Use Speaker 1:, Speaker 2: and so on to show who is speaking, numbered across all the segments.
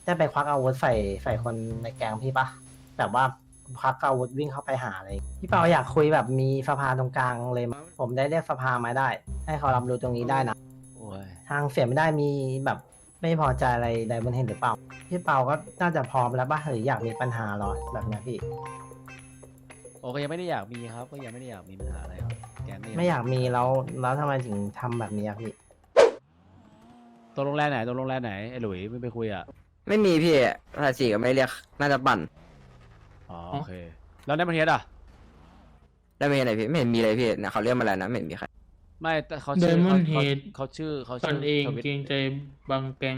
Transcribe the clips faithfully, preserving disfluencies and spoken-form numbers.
Speaker 1: ได้ไปควักอาวุธใส่ใส่คนในแก๊งพี่ปะแบบว่าควักอาวุธวิ่งเข้าไปหาเลยพี่เปาอยากคุยแบบมีสภาตรงกลางเลยมั้ยผมได้เรียกสภามาได้ ให้เขารับรู้ตรงนี้ได้นะ
Speaker 2: โอ้ย
Speaker 1: ทางเสียไม่ได้มีแบบไม่พอใจอะไรใดบนเห็นหรือเปล่าพี่เปาก็น่าจะพร้อมแล้วป่ะหรืออยากมีปัญหาหรอแบบเนี้ยพี่
Speaker 2: โอ้ก็ยังไม่ได้อยากมีครับก็ยังไม่ได้อยากมีปัญหาอะไรครับแกง
Speaker 1: ไม่อยากมีแล้วแล้วทำไมถึงทำแบบนี้อะพี่
Speaker 2: ตรงโรงแรมไหนตรงโรงแรมไหนไอ้หลุยไม่ไปคุยอ่ะ
Speaker 3: ไม่มีพี่ภาษีก็ไม่ได้เรียกน่าจะปั่น
Speaker 2: อ๋อโอเคแล้วในประเทศอ่ะ
Speaker 3: ได้ไม่อะไรพี่ไม่เห็นมีอะไรพี่เนี่ยเขาเรียกมาแล้วนะไม่เห็นมีใคร
Speaker 2: ไม่แต่เขาชื่อ
Speaker 4: Diamond
Speaker 2: เขาเขา
Speaker 4: Head
Speaker 2: เขาชื่อเขา
Speaker 4: ต
Speaker 2: ชื่
Speaker 4: นเอง
Speaker 2: ทวิต
Speaker 4: เกรงใจบางแก๊ง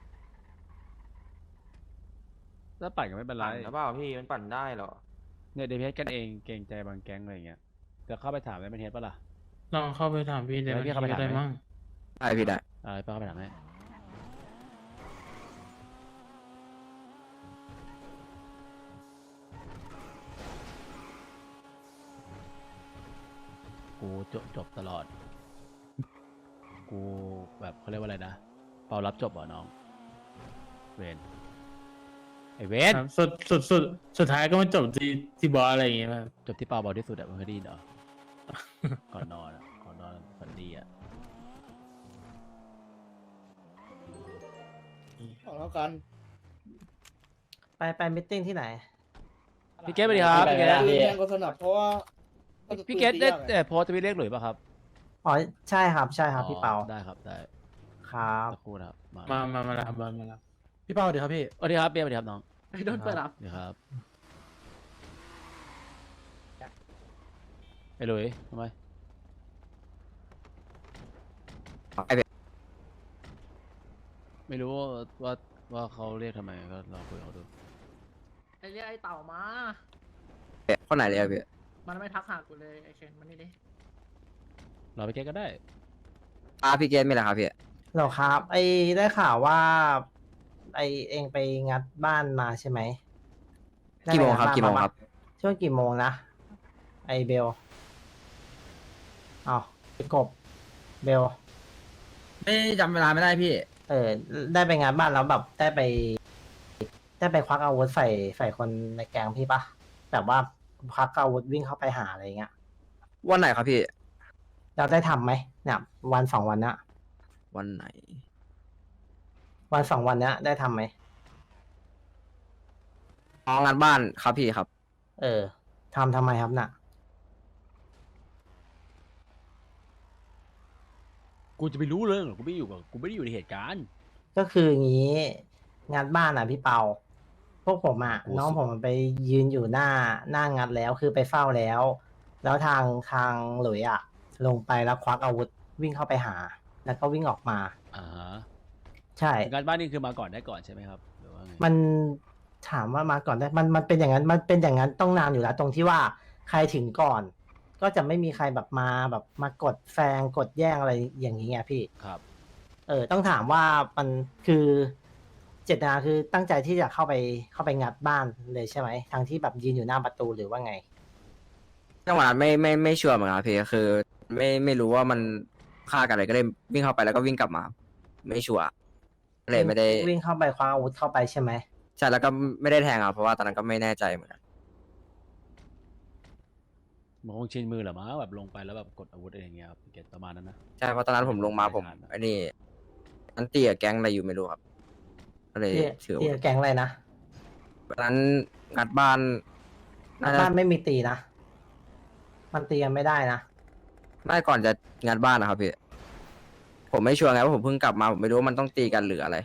Speaker 2: แล้วปั่นก็ไม่เป็นไร
Speaker 5: ปั่นหรือเปล่าพี่มันปั่นได้เหรอ
Speaker 2: เนี่ยเดเพสกันเองเกรงใจบางแก๊งอะไรอย่างเงี้ยจะเข้าไปถามในประเทศปะล่ะ
Speaker 4: ลองเข้าไปถามพี่
Speaker 2: เดี๋
Speaker 4: เดี๋
Speaker 2: ย
Speaker 4: ยว ว
Speaker 2: ให้พี่
Speaker 4: พี่
Speaker 2: เข้าไป
Speaker 4: ก็
Speaker 2: ถาม
Speaker 4: ได้
Speaker 2: ไหม
Speaker 4: มั่ง
Speaker 3: ได้พี่ได้
Speaker 2: เออป้าเข้าไปถามให้กูจบจบตลอด กูแบบเขาเรียกว่าอะไรนะเปารับจบเหรอน้องเวนไอเวน
Speaker 4: ครับสุดสุดสุดสุดท้ายก็มาจบที่ที่บอสอะไรอย่างเงี้ยครับ
Speaker 2: จบที่เปาเบาที่สุดอะมึงเคยได้ยินเหรอ ก่อนนอนอะก่อนนอนฝันดีอะ
Speaker 6: เอาแล้วกัน
Speaker 1: ไปไปมิทติ้งที่ไหน
Speaker 2: พี่เกตสวัสดีครับพี่เกต
Speaker 6: ปืนแพงกว่าสนับเพราะว่า
Speaker 2: พี่เกตได้แต่โพสต์ทวิตเลขหลุยป่ะครับ
Speaker 1: อ๋อใช่ครับใช่ครับพี่เปา
Speaker 2: อ๋อได้ครับได้
Speaker 1: ครับ
Speaker 2: สักครู่นะครับมา
Speaker 4: มามามารับมามารับ
Speaker 7: พี่เป้าเดี๋ยวครับพี่
Speaker 2: สวัสดีครับเบียร์สวัสดีครับน้อง
Speaker 7: ไอ้โดนเปิดรับ
Speaker 2: สวัสดีครับไอ้หลุยทำไม
Speaker 3: ไอ้เบ
Speaker 2: ไม่รู้ว่าว่าว่าเขาเรียกทำไมก็ลองคุยกับเขาดู
Speaker 7: ไอ้เรียกไอ้เต่ามา
Speaker 3: คนไหนเลยอะพี่
Speaker 7: มันไม่ทักหากูเลยไอ้เคนมันนี่ดิ
Speaker 2: เราไปเกตก็ได้
Speaker 3: อาพี่เกตไม่ละครับพี่
Speaker 1: เหรอครับ ไอได้ข่าวว่า ไอเองไปงัดบ้านมาใช่ไหมได้
Speaker 3: กี่
Speaker 1: ไป
Speaker 3: โมง
Speaker 1: งัด
Speaker 3: ครับ
Speaker 1: บ้าน
Speaker 3: กี่โมง
Speaker 1: าปะ
Speaker 3: ครับ
Speaker 1: ช่วงกี่โมงนะ ไอเบลอ้าวไอกบเบล
Speaker 3: ไม่จำเวลาไม่ได้พี่
Speaker 1: เออ ได้ไปงานบ้านแล้วแบบได้ไป ได้ไปควักอาวุธใส่ใส่คนในแก๊งพี่ปะแบบว่าควักอาวุธวิ่งเข้าไปหาอะไรเงี้ย
Speaker 3: วันไหนครับพี่
Speaker 1: เราได้ทำไหมเนี่ยวันสองวันเนี้ย
Speaker 3: วันไหน
Speaker 1: วันสองวันเนี้ยได้ทำไหม
Speaker 3: อ๋องานบ้านครับพี่ครับ
Speaker 1: เออทำทำไมครับน่ะ
Speaker 2: กูจะไปรู้เรื่องเหรอกูไม่อยู่กับกูไม่ได้อยู่ในเหตุการณ์
Speaker 1: ก็คืออย่างนี้งานบ้านอ่ะพี่เปา พวกผมอ่ะ
Speaker 2: โอ้
Speaker 1: น้อง
Speaker 2: สุด
Speaker 1: ผมไปยืนอยู่หน้าหน้างานแล้วคือไปเฝ้าแล้ว แล้วทางทางหลุยอ่ะ ลงไปแล้วควักอาวุธวิ่งเข้าไปหา แล้วก็วิ่งออกมา
Speaker 2: อ่าฮะ
Speaker 1: ใช่
Speaker 2: งานบ้านนี่คือมาก่อนได้ก่อนใช่ไหมครับหรือว่าไง
Speaker 1: มันถามว่ามาก่อนได้มันมันเป็นอย่างนั้นมันเป็นอย่างนั้นต้องนานอยู่แล้ว ตรงที่ว่าใครถึงก่อน ก็จะไม่มีใครแบบมาแบบมากดแซงกดแย่งอะไรอย่างนี้ไงพี่
Speaker 2: ครับ
Speaker 1: เออต้องถามว่ามันคือเจตนาคือตั้งใจที่จะเข้าไปเข้าไปงัดบ้านเลยใช่ไหมทางที่แบบยืนอยู่หน้าประตูหรือว่าไง
Speaker 3: จังหวะนั้นไม่ไม่ไม่ชัวร์เหมือนกันครับพี่คือ ไม่ไม่รู้ว่ามันฆ่ากันอะไรก็เลยวิ่งเข้าไปแล้วก็วิ่งกลับมา ไม่ชัวร์เลยไม่ได้
Speaker 1: วิ่งเข้าไปคว้าอาวุธเข้าไปใช่ไหม
Speaker 3: ใช่แล้วก็ไม่ได้แทงอ่ะเพราะว่าตอนนั้นก็ไม่แน่ใจเหมือนกัน
Speaker 2: มันคงชินมือเหรอมั้งแบบลงไปแล้วแบบกดอาวุธอะไรอย่างเงี้ยครับเกตประมาณนั้นนะ
Speaker 3: ใช่เพราะตอนนั้นผมลงมาผมไอ้นี่อันตีกับแก๊งอะไรอยู่ไม่รู้ครับก็เลย
Speaker 1: ที่
Speaker 3: ถือ
Speaker 1: ที่
Speaker 3: ว่า
Speaker 1: แก๊งอะไรนะ
Speaker 3: ตอนนั้นงัดบ้านน่าจะ
Speaker 1: บ้านไม่มีตีนะ มันตีกันไม่ได้นะ
Speaker 3: ไม่ก่อนจะงัดบ้านนะครับพี่ผมไม่ชัวร์ไงว่าผมเพิ่งกลับมาผมไม่รู้ว่ามันต้องตีกันหรืออะไร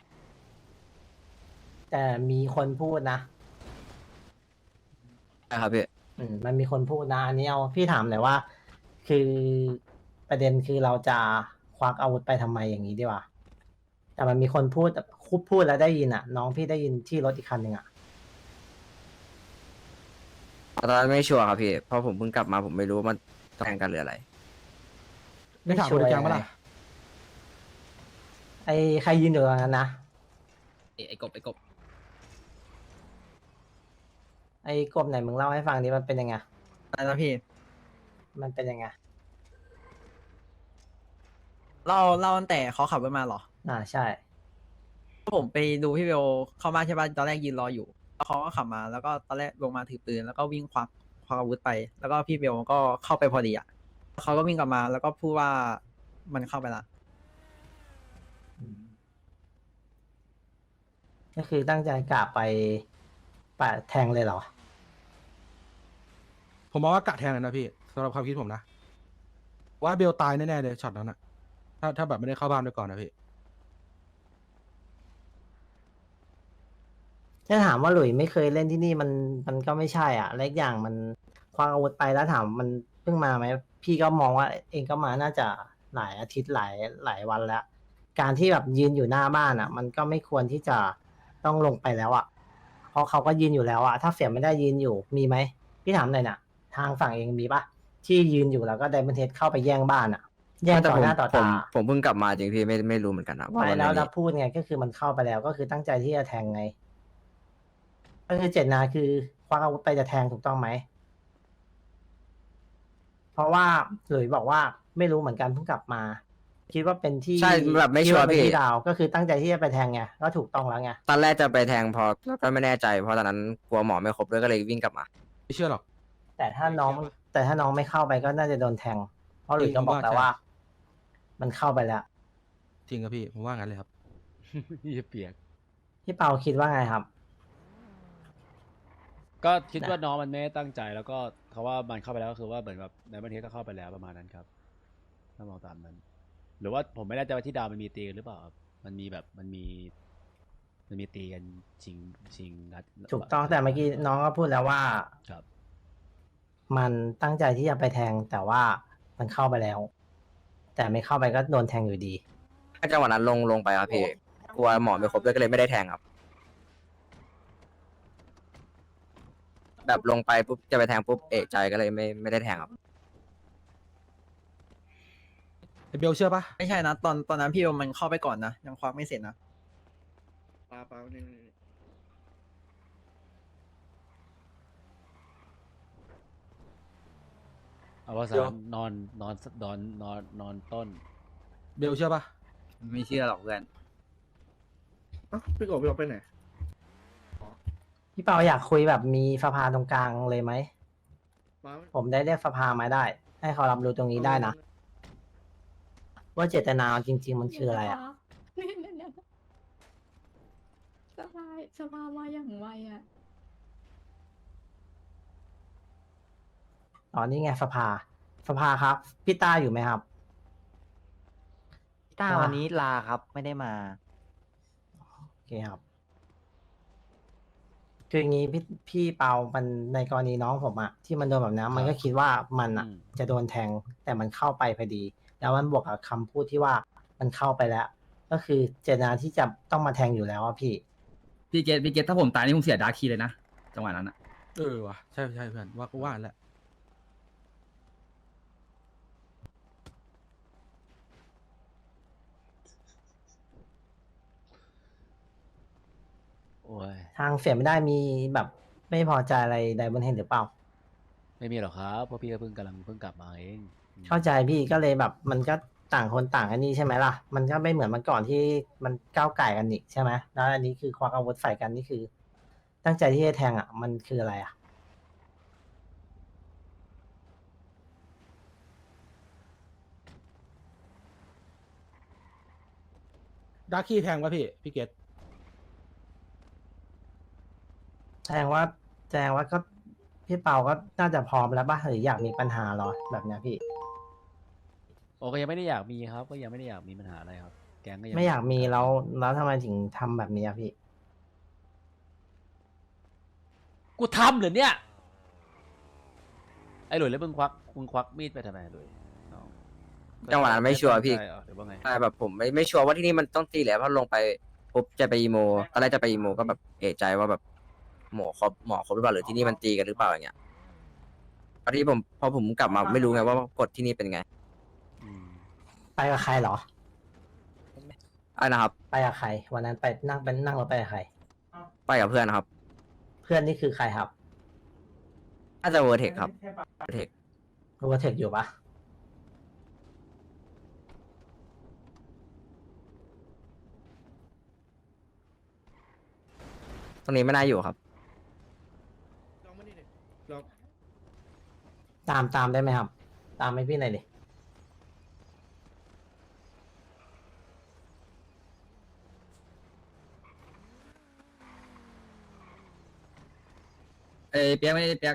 Speaker 1: แต่มีคนพูดนะ
Speaker 3: ใช่ครับพี่
Speaker 1: อืมมันมีคนพูดนะอันนี้เอาพี่ถามหน่อยว่า คือประเด็นคือเราจะควักอาวุธไปทำไมอย่างนี้ดีกว่าแต่มันมีคนพูดคุบพูดแล้วได้ยินอ่ะ น้องพี่ได้ยินที่รถอีกคันหนึ่งอ่ะ
Speaker 3: ตอนนั้นไม่ชัวร์ครับพี่เพราะผมเพิ่งกลับมาผมไม่รู้ว่ามันแทงกันหรืออะไร
Speaker 7: ไม่ถามคนในแกงปะล่ะ
Speaker 1: ไอ้ใครยืนอยู่ตรงนั้นนะ
Speaker 3: ไอ้กบไอ้กบ
Speaker 1: ไอ้กบไหนมึงเล่าให้ฟังดิมันเป็นยังไง
Speaker 8: อะไรนะพี่
Speaker 1: มันเป็นยังไง
Speaker 8: เล่าเล่าตั้งแต่เขาขับรถมาเหรอ
Speaker 1: อ่าใช่
Speaker 8: ต
Speaker 5: ผมไปดูพี่เบลเข้ามาใช่ป่ะตอนแรกยืนรออยู่แล้วเขาก็ขับมาแล้วก็ตอนแรกลงมาถือปืนแล้วก็วิ่งควักควักอาวุธไป แล้วก็พี่เบลก็เข้าไปพอดีอ่ะเขาก็วิ่งกลับมาแล้วก็พูดว่ามันเข้าไปละ
Speaker 1: ก็คือตั้งใจกะไปปะแทงเลยเหรอ
Speaker 7: ผมมองว่ากะแทงเลยนะพี่สำหรับความคิดผมนะ ว่าเบลตายแน่ๆเลยช็อตนั้นอะถ้าถ้าแบบไม่ได้เข้าบ้านไปก่อนนะพี่
Speaker 1: ถ้าถามว่าหลุยไม่เคยเล่นที่นี่มันมันก็ไม่ใช่อ่ะและอีกอย่างมันคว้าอาวุธไปแล้วถามมันเพิ่งมาไหมพี่ก็มองว่าเองก็มาน่าจะหลายอาทิตย์หลายหลายวันแล้ว การที่แบบยืนอยู่หน้าบ้านอ่ะ มันก็ไม่ควรที่จะต้องลงไปแล้วอ่ะเพราะเขาก็ยืนอยู่แล้วอ่ะถ้าเสียไม่ได้ยืนอยู่มีไหมพี่ถามหน่อยน่ะ ทางฝั่งเองมีปะที่ยืนอยู่แล้วก็ไดมอนเทสเข้าไปแย่งบ้านอ่ะ แย่ง
Speaker 3: แต่
Speaker 1: ต่อ
Speaker 3: ผม
Speaker 1: หน้าต่อ
Speaker 3: ผม
Speaker 1: ตา
Speaker 3: ผมเพิ่งกลับมาจริงพี่ไม่ไม่รู้เหมือนกันนะว่า
Speaker 1: ไม่
Speaker 3: มัน
Speaker 1: แล้ว
Speaker 3: ไม่
Speaker 1: เรา
Speaker 3: มี
Speaker 1: พูดไงก็คือมันเข้าไปแล้วก็คือตั้งใจที่จะแทงไง ก็คือเจตนาคือควักอาวุธไปจะแทงถูกต้องไหม เพราะว่าหลุยบอกว่าไม่รู้เหมือนกันเพิ่งกลับมา คิดว่าเป็นที่
Speaker 3: ใช่แบบไม่
Speaker 1: คิด
Speaker 3: ชัวร์
Speaker 1: เป็น
Speaker 3: พี่
Speaker 1: ที่ดาวก็คือตั้งใจที่จะไปแทงไงก็ถูกต้องแล้วไง
Speaker 3: ตอนแรกจะไปแทงพอแล้วก็ไม่แน่ใจเพราะตอนนั้นกลัวหมอไม่ครบด้วยก็เลยวิ่งกลับมา
Speaker 7: ไม่เชื่อหรอก
Speaker 1: แต่ถ้าน้อง แต่ถ้าน้องไม่เข้าไปก็น่าจะโดนแทง เพราะหลุยก็บอกแล้วว่า มันเข้าไปแล้ว
Speaker 7: จริงครับพี่ ผมว่างั้นเลยครับ
Speaker 2: เหี้ยเปียก
Speaker 1: พี่เปาคิดว่าไงครับ
Speaker 2: ก็คิดว่าน้องมันไม่ได้ตั้งใจแล้วก็เขาว่ามันเข้าไปแล้วก็คือว่าเหมือนแบบในประเทศก็เข้าไปแล้วประมาณนั้นครับถ้ามองตามนั้น หรือว่าผมไม่แน่ใจว่าที่ดาวมันมีตีกันหรือเปล่าครับมันมีแบบมันมี มันมีตีกันชิงชิงนัด
Speaker 1: ถูกต้องแต่เมื่อกี้น้องก็พูดแล้วว่า
Speaker 2: ครับ
Speaker 1: มันตั้งใจที่จะไปแทงแต่ว่ามันเข้าไปแล้ว แต่ไม่เข้าไปก็โดนแทงอยู่ดี
Speaker 3: ถ้าจังหวะนั้นลงลงไปครับพี่กลัวหมอไม่ครบด้วยก็เลยไม่ได้แทงครับ แบบลงไปปุ๊บจะไปแทงปุ๊บเอะใจก็เลยไม่ไม่ได้แทงครับ
Speaker 7: ไอเบลเชื่อปะ
Speaker 5: ไม่ใช่นะตอนตอนนั้นพี่เบลมันเข้าไปก่อนนะยังควักไม่เสร็จนะ
Speaker 6: ปลาปลานี่
Speaker 2: เอาว่าสารนอนนอนนอนนอนนอนต้น
Speaker 7: เบลเชื่อปะ
Speaker 5: ไม่เชื่อหรอกเพื่อน
Speaker 6: เอ้าพี่กบพี่กบไปไหน
Speaker 1: พี่เปาอยากคุยแบบมีสภาตรงกลางเลยไหม
Speaker 6: ปลา
Speaker 1: ผมได้เรียกสภามาได้ ให้เขารับรู้ตรงนี้ได้นะ ว่าเจตนาจริง ๆ มันคืออะไรอ่ะ
Speaker 8: เนี่ยเนี่ยเนี่ยสภาสภามาอย่างไวอ่ะ
Speaker 1: อ๋อนี่ไงสภา สภาครับ พี่ต้าอยู่ไหมครับ
Speaker 9: ต้า
Speaker 1: อ่า
Speaker 9: วันนี้ลาครับไม่ได้มา
Speaker 1: โอเคครับ คืออย่างนี้พี่พี่เปามันในกรณีน้องผมอะที่มันโดนแบบนั้นมันก็คิดว่ามันอะ
Speaker 2: อืม
Speaker 1: จะโดนแทง แต่มันเข้าไปพอดี แล้วมันบวกกับคำพูดที่ว่ามันเข้าไปแล้ว ก็คือเจตนาที่จะต้องมาแทงอยู่แล้วอะพี่
Speaker 10: พี่เกตพี่เกตถ้าผมตายนี่ผมเสียดาร์คคีย์เลยนะจังหวะนั้นอะ
Speaker 7: เออว่ะใช่ใช่เพื่อนว่าก็ว่าแหละ
Speaker 2: โอ้ย
Speaker 1: ทางเสียไม่ได้มีแบบไม่พอใจอะไรใดบนเห็นหรือเปล่า
Speaker 2: ไม่มีหรอกครับเพราะพี่ก็เพิ่งกำลังเพิ่งกลับมาเองอืม
Speaker 1: เข้าใจพี่ก็เลยแบบมันก็ต่างคนต่างอันนี้ใช่ไหมล่ะ มันก็ไม่เหมือนเมื่อก่อนที่มันก้าวไก่กันอีกใช่ไหมแล้วอันนี้คือควักอาวุธใส่กันนี่คือ ตั้งใจที่จะแทงอ่ะ มันคืออะไรอ่ะ
Speaker 7: ดาร์คีแทงปะพี่ พี่เกต
Speaker 1: แสดงว่าแสดงว่าก็พี่เปาก็น่าจะพร้อมแล้วป่ะหรืออยากมีปัญหาเหรอแบบเนี้ยพี่
Speaker 2: โอ้ก็ยังไม่ได้อยากมีครับ ก็ยังไม่ได้อยากมีปัญหาอะไรครับ แกงก็ยัง
Speaker 1: ไม่อยากมีแล้วแล้วทำไมถึงทำแบบนี้อะพี่
Speaker 2: กูทำเหรอเนี่ยไอ้หลุยแล้วมึงควักมึงควักมีดไปทำไมหลุยน้อง
Speaker 3: จังหวะนั้นไม่ชัวร์พี่
Speaker 2: ใช่เหรอหรือว่าไง
Speaker 3: ใช่แบบผมไม่ไม่ชัวร์ว่าที่นี่มันต้องตีแหละเพราะลงไปปุ๊บจะไปอีโมตอนแรกจะไปอีโมก็แบบเอะใจว่าแบบหมอครบหมอครบหรือเปล่าหรือที่นี่มันตีกันหรือเปล่าอย่างเงี้ยพอที่ผมพอผมกลับมาไม่รู้ไงว่ากฎที่นี่เป็นไง
Speaker 2: อืม
Speaker 1: ไปกับใครเหรอ
Speaker 3: อ่ะนะครับ
Speaker 1: ไปกับใคร วันนั้นไปนั่งเป็นนั่งรถไปกับใคร
Speaker 3: ไปกับเพื่อนนะครับ
Speaker 1: เพื่อนนี่คือใครครับ
Speaker 3: น่าจะเวอร์เทคครับเวอร์เทค
Speaker 1: รู้ว่าเทคอยู่ปะ
Speaker 3: รงนี้ไม่น่าอยู่ครับ
Speaker 6: ลองมานี่ดิลอง
Speaker 1: ตามตามได้ไหมครับ ตามให้พี่หน่อยดิ
Speaker 10: เอ้ยเปียกไม่ได้เปียก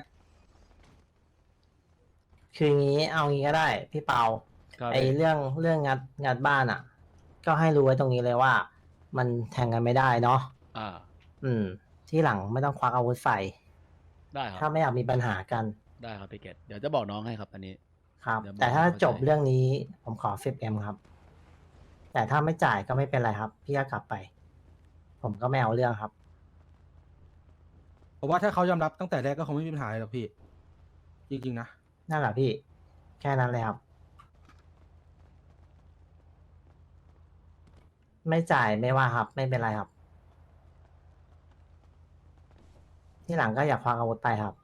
Speaker 1: คืองี้เอางี้ก็ได้ พี่เปา
Speaker 2: ครับ
Speaker 1: ไอเรื่องเรื่องงัดงัดบ้านอ่ะ ก็ให้รู้ไว้ตรงนี้เลยว่า มันแทงกันไม่ได้เนาะ
Speaker 2: อ่า
Speaker 1: อืม ที่หลังไม่ต้องควักอาวุธใส่
Speaker 2: ได้ค
Speaker 1: ถ้า
Speaker 2: รับ
Speaker 1: ไม่อยากมีปัญหากัน
Speaker 2: ได้ครับพี่เกตเดี๋ยวจะบอกน้องให้ครับอันนี้
Speaker 1: ครับ
Speaker 2: เดี๋ยวบอก
Speaker 1: แต่ถ้า
Speaker 2: ให้เข้าใจ
Speaker 1: จบเรื่องนี้ผมขอ สิบเอ็ม ครับ แต่ถ้าไม่จ่ายก็ไม่เป็นไรครับ พี่ก็กลับไป ผมก็ไม่เอาเรื่องครับ
Speaker 7: เพราะว่าถ้าเขายอมรับตั้งแต่แรกก็คงไม่มีปัญหาอะไรหรอกพี่ จริงๆนะ
Speaker 1: นั่นแหละพี่ แค่นั้นเลยครับ ไม่จ่ายไม่ว่าครับ ไม่เป็นไรครับ ที่หลังก็อย่าควักอาวุธไปครับ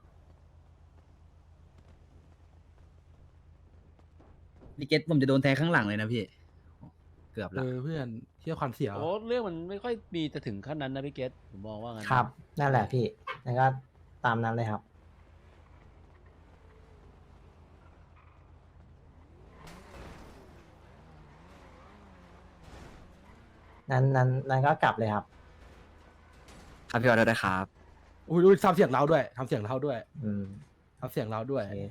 Speaker 10: พี่เกตผมจะโดนแทงข้างหลังเลยนะพี่เกือบ
Speaker 7: เอ
Speaker 10: ละ
Speaker 7: อเพื่อนเที่ยวควันเสีย
Speaker 2: โอ้เรื่องมันไม่ค่อยมีจะถึงขั้นนั้นนะพี่เกตผมมองว่างั้นนะครับ
Speaker 1: นั่นแหละพี่แล้วก็ตามนั้นเลยครับ นั้นนั้นนั้นก็กลับเลยครับ
Speaker 3: ครับพี่ออเดอร์ได้ครับ
Speaker 7: อุ้ยดูทำเสียงเราด้วยทำเสียงเราด้วย
Speaker 1: อืม
Speaker 7: ทำเสียงเราด้วย
Speaker 1: โอเค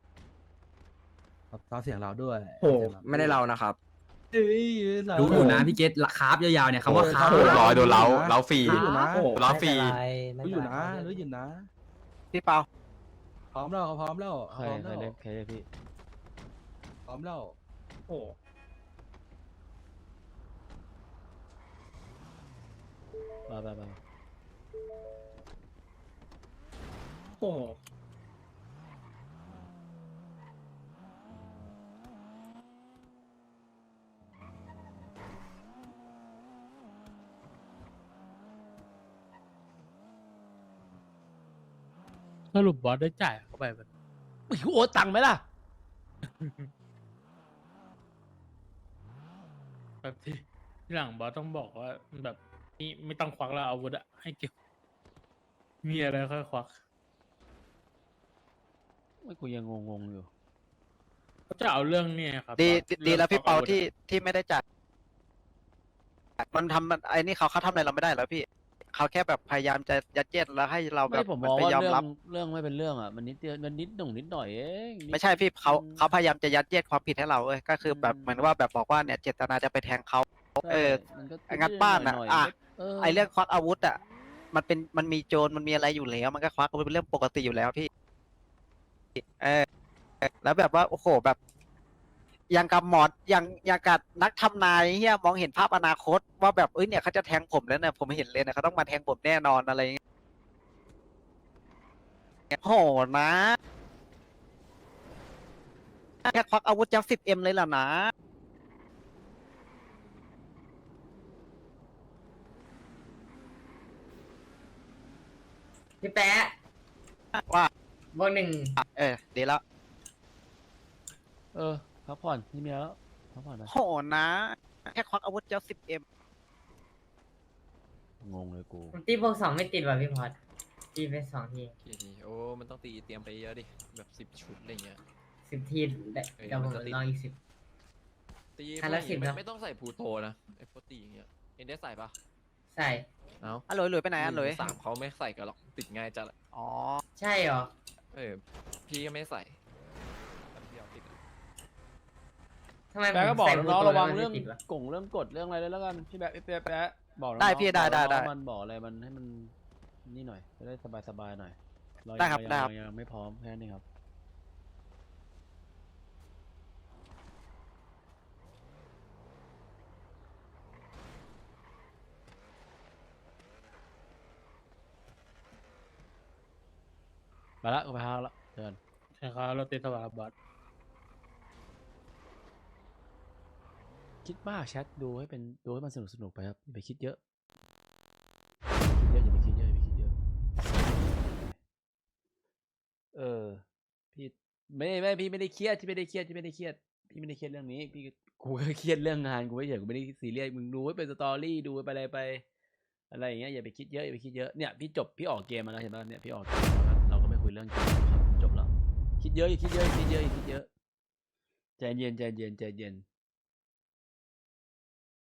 Speaker 7: ทำเสียงเราด้วย
Speaker 3: โอ้ไม่ได้เรานะครับ
Speaker 7: เอ้ยเรา
Speaker 10: รู้อยู่นะพี่เกตคาร์บยาวๆเนี่ยคำว่าคาร์บ
Speaker 7: โอ้ย
Speaker 9: ร้อยโดนเล้าเล้าฟรี
Speaker 7: รู้อยู่นะ
Speaker 9: ล้อฟรี
Speaker 1: ไม่
Speaker 7: รู้
Speaker 1: เป็นไร
Speaker 7: อยู่นะ
Speaker 1: ไม่เป็นไร
Speaker 7: รู้อยู่นะ
Speaker 5: พี่เปา
Speaker 7: พร้อมแล้วเขาพร้อมแล้ว
Speaker 2: ใค
Speaker 7: พ
Speaker 2: ร
Speaker 7: ร้อม
Speaker 2: ใคร
Speaker 7: แล้ว
Speaker 2: เรียกใครเรียกพี่
Speaker 7: พร้อมแล้ว
Speaker 5: โอ้
Speaker 2: มาไปไป
Speaker 5: โห
Speaker 4: สรุปบอสได้จ่ายเข้าไปมัน
Speaker 2: ไม่โอนตังค์ไหมล่ะ
Speaker 4: แบบที่ที่หลังบอสต้องบอกว่าแบบนี่ไม่ต้องควักแล้วอาวุธอะให้เก็บ มีอะไรค่อยควัก
Speaker 2: ไม่กูยังงงๆอยู่
Speaker 4: เขาจะเอาเรื่องเนี่ยครับ
Speaker 5: ดี
Speaker 4: บอส
Speaker 5: ดี
Speaker 4: รื่อง
Speaker 5: แล้วพี่
Speaker 4: ค
Speaker 5: เปา
Speaker 4: วักอวุธอะ
Speaker 5: ที่ที่ไม่ได้จ่ายมันทำมันไอ้นี่เขาเขาทำอะไรเราไม่ได้แล้วพี่เขาแค่แบบพยายามจะยัดเยียดแล้วให้เราแบ
Speaker 2: ไม่
Speaker 5: บ
Speaker 2: ผม
Speaker 5: เหมื
Speaker 2: ม
Speaker 5: อน
Speaker 2: อง
Speaker 5: ไป
Speaker 2: ว่าย
Speaker 5: อม
Speaker 2: เรื่อ
Speaker 5: รับ
Speaker 2: งเรื่องไม่เป็นเรื่องอ่ะมันนิดเดียวมันนิดหน่งนิดหน่อยเองนิด
Speaker 5: ไม่ใช่พี่เขา
Speaker 2: อืม
Speaker 5: เขาพยายามจะยัดเยียดความผิดให้เราเอ้ยก็คือแบบ
Speaker 2: อืม
Speaker 5: เหมือนว่าแบบบอกว่าเนี่ยเจตนาจะไปแทงเขา
Speaker 2: ใช่
Speaker 5: เออ
Speaker 2: มันก็
Speaker 5: งัดบ้านอะ
Speaker 2: หยๆ
Speaker 5: อ่ะ
Speaker 2: เออ
Speaker 5: ไอ้เรื่องควักอาวุธอ่ะมันเป็นมันมีโจรมันมีอะไรอยู่แล้ว มันก็ควักอาวุธเป็นเรื่องปกติอยู่แล้วพี่เออแล้วแบบว่าโอ้โหแบบอย่างกับหมออย่างอย่างกับนักทำนายเฮียมองเห็นภาพอนาคต ว่าแบบเอ้ยเนี่ยเขาจะแทงผมแล้วเนี่ยผมเห็นเลยนะเขาต้องมาแทงผมแน่นอนอะไรอย่างเงี้ยโหนะแค่ควักอาวุธจะสิบเอ็มเลยล่ะนะ
Speaker 11: พี่แปะ
Speaker 5: ว่า
Speaker 11: บวกหนึ่ง
Speaker 5: เออดีแล้ว
Speaker 2: เออพักผ่อนนี่มีแล้วพักผ่อนไป
Speaker 5: โหนะ แค่ควักอาวุธจะสิบเอ็ม
Speaker 2: งงเลยกู
Speaker 11: ผมตีบวกสองไม่ติดว่ะพี่พอดตีไปสองที
Speaker 9: กี่ทีโอ้ มันต้องตีเตรียมไปเยอะดิ แบบสิบชุดอะไรเงี้ย
Speaker 11: สิบทีได้
Speaker 9: เออ
Speaker 11: เดี๋ยวผม
Speaker 9: มันก็ติด
Speaker 11: ลองอีกสิบ
Speaker 9: ตี
Speaker 11: คันละ
Speaker 9: ไม่
Speaker 11: สิบ
Speaker 9: ไม่
Speaker 11: เนอะ
Speaker 9: ไม่ต้องใส่พูโตนะไอ้พวกตีอย่างเงี้ย เอ็นได้ใส่ปะ
Speaker 11: ใส่
Speaker 9: เอ้า
Speaker 5: อ่ะหลุยหลุยไปไหนอ่ะหลุย
Speaker 9: สามเขาไม่ใส่กันหรอก ติดง่ายจัดอะ
Speaker 5: อ๋อ
Speaker 11: ใช่เหรอ
Speaker 9: เออ พี่ก็ไม่ใส่แต่พี่เอาติดอะ
Speaker 11: ทำไม
Speaker 2: แปะก็
Speaker 11: ผม
Speaker 2: บอก
Speaker 11: ใส่
Speaker 2: น้องๆระวัง
Speaker 11: บูโตแล้
Speaker 2: เรื่อง
Speaker 11: ไม่ติดวะ
Speaker 2: กงเรื่องกฎเรื่องอะไรด้วยแล้วกันพี่แปะพี่แปะแปะบอกน้องๆ
Speaker 5: ได้พี่ได้ได้
Speaker 2: บอกน้องๆ
Speaker 5: ได้
Speaker 2: มันบอกอะไรมันให้มันนี่หน่อยจะได้สบายๆหน่อยเรา
Speaker 5: ได้ครับ
Speaker 2: ยัง
Speaker 5: ได้ครับ
Speaker 2: ยังยังไม่พร้อมแค่นี้ครับมาละกูไปหาละเดิน
Speaker 4: ใช่ครับเราติดสวาบอส
Speaker 2: คิดมากแชทดูให้เป็นดูให้มันสนุกสนุกไปครับอย่าไปคิดเยอะคิดเยอะอย่าไปคิดเยอะอย่าไปคิดเยอะเออพี่ไม่ไม่พี่ไม่ได้เครียดที่ไม่ได้เครียดที่ไม่ได้เครียดพี่ไม่ได้เครียดเรื่องนี้พี่กูก็เครียดเรื่องงานกูไม่เฉยกูไม่ได้ซีเรียสมึงดูให้เป็นสตอรี่ดูไปอะไรไปอะไรอย่างเงี้ยอย่าไปคิดเยอะอย่าไปคิดเยอะเนี่ยพี่จบพี่ออกเกมมาแล้วเห็นป่ะเนี่ยพี่ออกเกมมาแล้วเราก็ไม่คุยเรื่องเกมแล้วครับจบแล้วคิดเยอะอย่าคิดเยอะอย่าคิดเยอะอย่าคิดเยอะใจเย็นใจเย็นใจเย็น